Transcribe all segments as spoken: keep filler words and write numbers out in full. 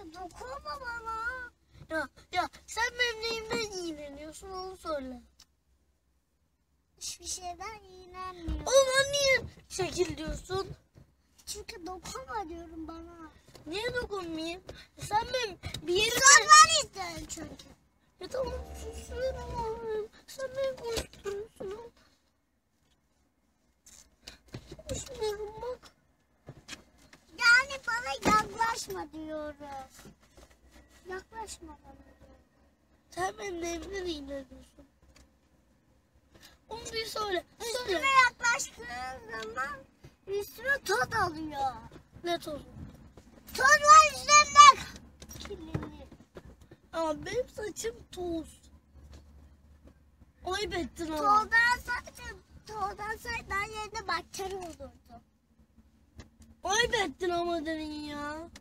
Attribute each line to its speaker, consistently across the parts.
Speaker 1: dokunma bana.
Speaker 2: Ya ya sen benim neyimden iğreniyorsun onu söyle.
Speaker 1: Hiçbir şeyden iğrenmiyorum.
Speaker 2: O zaman niye şekil diyorsun?
Speaker 1: Çünkü dokunma diyorum bana.
Speaker 2: Niye dokunmayayım? Sen benim bir yerime...
Speaker 1: Sen ben isterim çünkü.
Speaker 2: Ya tamam susuyorum abi. Sen beni konuşturuyorsun. Konuşmuyorum bak.
Speaker 1: Yani bana yaklaşma diyorum. Yaklaşma bana diyorum.
Speaker 2: Sen benim neyimden iğreniyorsun? Onu bir söyle.
Speaker 1: Üstüme
Speaker 2: Söyle.
Speaker 1: yaklaştığın zaman üstüme toz alıyor.
Speaker 2: Ne tozu?
Speaker 1: Toz var üstümde. Kirlenir.
Speaker 2: Ama benim saçım toz. Ayıp ettin ama.
Speaker 1: Tozdan saçım, tozdan saçtan yerine bakteri olurdu.
Speaker 2: Ayıp ettin ama derin ya.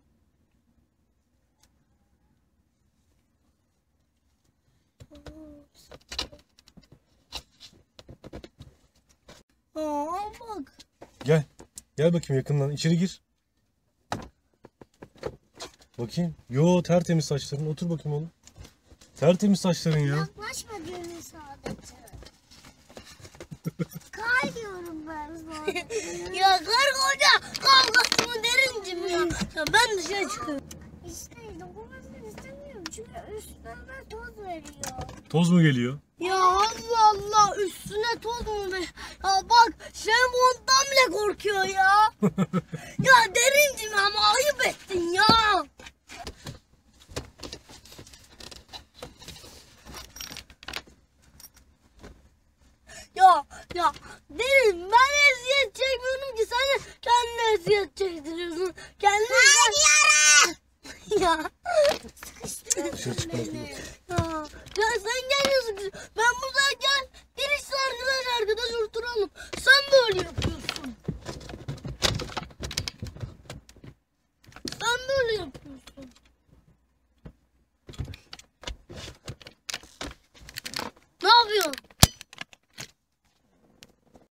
Speaker 2: Aa bak.
Speaker 3: Gel. Gel bakayım yakından. İçeri gir. Bakayım. Yo tertemiz saçların. Otur bakayım oğlum. Tertemiz saçların ya.
Speaker 1: Yaklaşma diyorum sadece. Kay diyorum ben sadece.
Speaker 2: Ya karı koca kavgası mı derincim ya. Ya ben dışarı çıkıyorum.
Speaker 1: İşte dokunmasını istemiyorum çünkü üstüme toz veriyor.
Speaker 3: Toz mu geliyor?
Speaker 2: Ya Allah Allah üstüne toz mu be? Ya bak sen monttan bile korkuyor ya. Ya derincim ama ayıp ettin ya. Ya ya derin ben eziyet çekmiyorum ki sen de kendine eziyet çektiriyorsun. Kendine
Speaker 1: Hayır.
Speaker 2: ya.
Speaker 1: Sıkıştırıyorsun
Speaker 3: Dışarı çıkmaz
Speaker 1: beni.